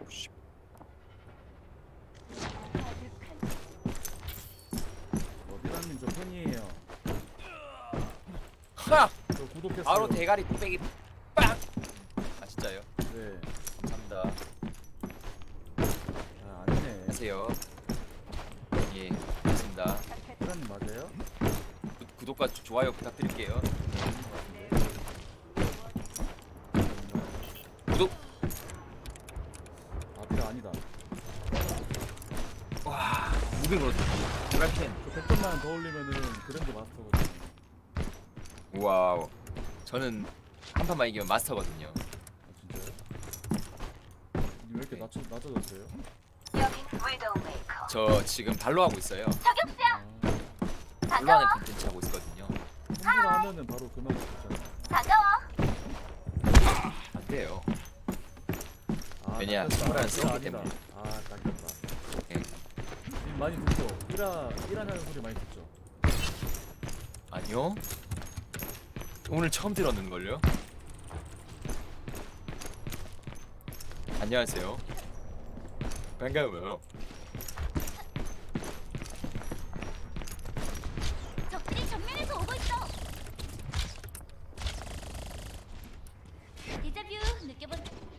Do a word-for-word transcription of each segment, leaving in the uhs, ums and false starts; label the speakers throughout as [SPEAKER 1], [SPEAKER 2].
[SPEAKER 1] 씨.
[SPEAKER 2] 어, 미라님 저 팬이에요.
[SPEAKER 1] 하!
[SPEAKER 2] 저 구독했어요.
[SPEAKER 1] 바로 대가리 뚝배기 빵! 아 진짜요?
[SPEAKER 2] 네.
[SPEAKER 1] 감사합니다.
[SPEAKER 2] 아, 아니네.
[SPEAKER 1] 안녕하세요. 예, 반갑습니다.
[SPEAKER 2] 미라님 맞아요?
[SPEAKER 1] 구, 구독과 좋아요 부탁드릴게요. 구독!
[SPEAKER 2] 아, 미라 아니다.
[SPEAKER 1] 와, 무빙으로 드라켄.
[SPEAKER 2] 저 백 점만 더 올리면은 그랜드 마스터거든요.
[SPEAKER 1] 와우. 저는 한 판만 이기면 마스터거든요.
[SPEAKER 2] 아, 진짜요? 왜 이렇게 낮춰, 낮아졌어요?
[SPEAKER 1] 저 지금 발로 하고 있어요.
[SPEAKER 2] 아,
[SPEAKER 1] 발로 하는 콘텐츠 하고 있거든요.
[SPEAKER 2] 홈으로 하면은 바로 그만 붙잖아.
[SPEAKER 1] 안 돼요.
[SPEAKER 2] 아,
[SPEAKER 1] 왜냐,
[SPEAKER 2] 낚였다.
[SPEAKER 1] 홈으로 하는
[SPEAKER 2] 미라
[SPEAKER 1] 쓰기
[SPEAKER 2] 아니다.
[SPEAKER 1] 때문에.
[SPEAKER 2] 아, 낚였다.
[SPEAKER 1] 예.
[SPEAKER 2] 님 많이 듣죠? 이라, 이라냐는 소리 많이 듣죠?
[SPEAKER 1] 아니요. 오늘 처음 들었는 걸요. 안녕하세요. 반가워요.
[SPEAKER 3] 적들이 정면에서 오고 있어. 데자뷰 느껴본.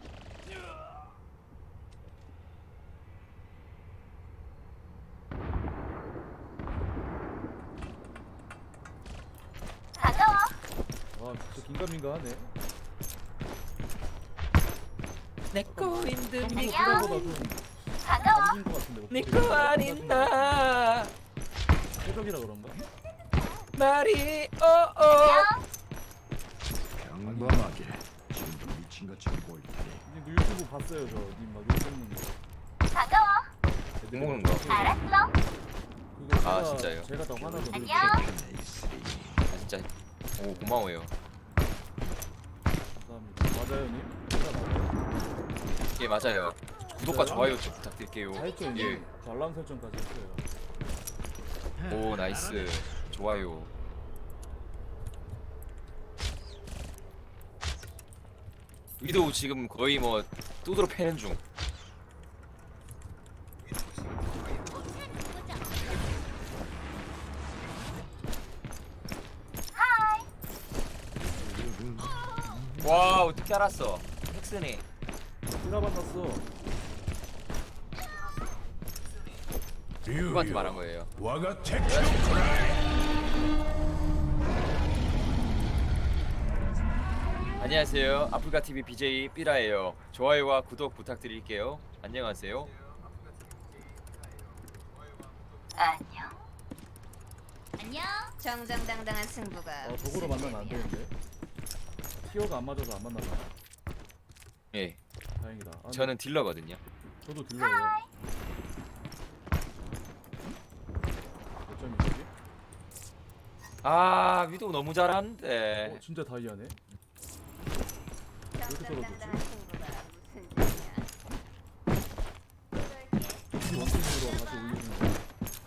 [SPEAKER 3] 반가워.
[SPEAKER 2] 아, 진짜 긴가민가하네.
[SPEAKER 1] 내꺼 힘든
[SPEAKER 2] 평소
[SPEAKER 1] 니꺼
[SPEAKER 2] 그거보다 좀
[SPEAKER 3] 반가워.
[SPEAKER 2] 감긴 것 같은데. 목소리가.
[SPEAKER 1] 니꺼 아닌다
[SPEAKER 2] 새벽이라 그런가?
[SPEAKER 1] 말이 어어
[SPEAKER 4] 평범하게 지금도 미친 것처럼 보일 테니
[SPEAKER 2] 님 유튜브 봤어요, 저. 님 막 욕 먹는 거.
[SPEAKER 3] 반가워.
[SPEAKER 1] 욕 먹는 거?
[SPEAKER 3] 알았어.
[SPEAKER 2] 그거 제가,
[SPEAKER 1] 아, 진짜요?
[SPEAKER 2] 제가 다 화나거든요.
[SPEAKER 3] 안녕.
[SPEAKER 4] 편에 있으리.
[SPEAKER 1] 아 진짜 오 고마워요.
[SPEAKER 2] 감사합니다. 맞아요, 님? 제가 맞아요?
[SPEAKER 1] 예 맞아요. 구독과 좋아요 좀 부탁드릴게요.
[SPEAKER 2] 다 했죠,
[SPEAKER 1] 예.
[SPEAKER 2] 님? 저 알람 설정까지 했어요.
[SPEAKER 1] 오 나이스 좋아요. 위도우 지금 거의 뭐 뚜드러 패는 중. 와 어떻게 알았어? 헥스네.
[SPEAKER 2] 이라 만났어.
[SPEAKER 1] 누구한테 말한 거예요?
[SPEAKER 4] 와가 택시
[SPEAKER 1] 안녕하세요. 아프리카티비 비제이 삐라예요. 좋아요와 구독 부탁드릴게요. 안녕하세요.
[SPEAKER 3] 안녕. 안녕. 정정당당한 승부가.
[SPEAKER 2] 아, 저거로 만나면 안 되는데. 티어가 안 맞아서 안 만나나.
[SPEAKER 1] 예,
[SPEAKER 2] 다행이다. 아,
[SPEAKER 1] 저는 딜러거든요.
[SPEAKER 2] 저도 들려요. 몇 점이지?
[SPEAKER 1] 아 위도우 너무 잘하는데.
[SPEAKER 2] 어, 진짜 다이아네.
[SPEAKER 3] 정정당당한 승부가 무슨 뜻이야?
[SPEAKER 2] 원팀으로 다시 올리는 거.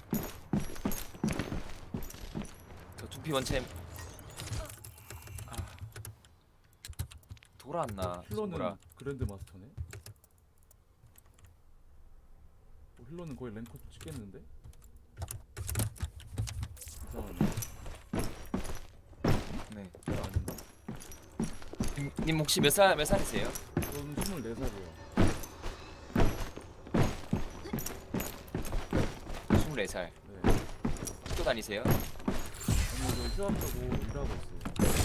[SPEAKER 1] 저 두피 원챔. 아, 돌아왔나?
[SPEAKER 2] 힐러는
[SPEAKER 1] 뭐라?
[SPEAKER 2] 그랜드 마스터네. 어, 힐러는 거의 랭커 찍겠는데? 이상하네.
[SPEAKER 1] 네.
[SPEAKER 2] 힐러 아닌가?
[SPEAKER 1] 님, 님 혹시 몇 살 몇 살이세요?
[SPEAKER 2] 저는 스물네 살이에요.
[SPEAKER 1] 스물네 살.
[SPEAKER 2] 네.
[SPEAKER 1] 학교 다니세요?
[SPEAKER 2] 아니, 저 휴학하고 일하고 있어요.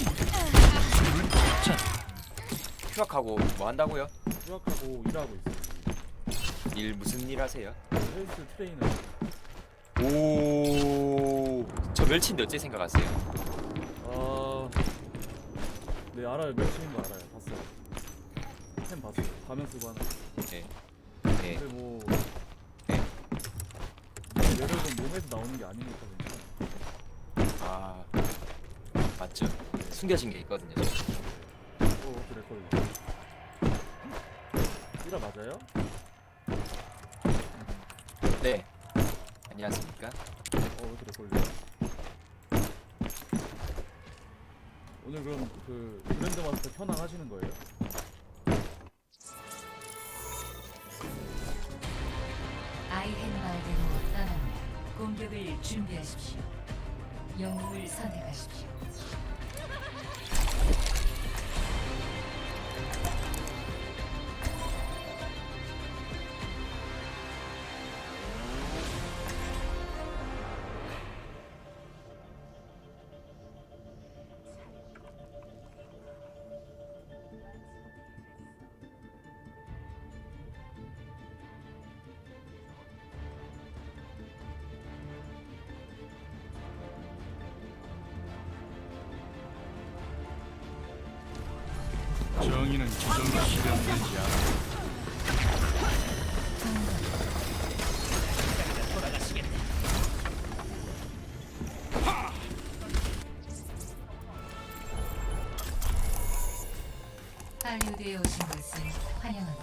[SPEAKER 1] 휴학하고 뭐 한다고요?
[SPEAKER 2] 휴학하고 일하고 있어요.
[SPEAKER 1] 일 무슨 일 하세요?
[SPEAKER 2] 헬스 트레이너.
[SPEAKER 1] 오, 저 멸치인데 어째 생각하세요?
[SPEAKER 2] 아, 네 알아요. 멸치인 거 알아요. 봤어요. 템 봤어요. 가면 쓰고 하는. 거.
[SPEAKER 1] 네. 네.
[SPEAKER 2] 근데 뭐
[SPEAKER 1] 네.
[SPEAKER 2] 매력은 몸에서 나오는 게 아니니까 괜찮아.
[SPEAKER 1] 아, 맞죠. 숨겨진 게 있거든요.
[SPEAKER 2] 어, 그랬거든요. 이라 맞아요?
[SPEAKER 1] 네. 안녕하십니까?
[SPEAKER 2] 어, 그랬걸요. 오늘 그럼 그 그랜드 마스터 현황 하시는 거예요?
[SPEAKER 5] 아이헨마을대로 떠납니다. 공격을 준비하십시오. 영웅을 선택하십시오.
[SPEAKER 4] 정의는 지정이 실현되지 않아.
[SPEAKER 5] 할리우드에 오신 것을 환영합니다.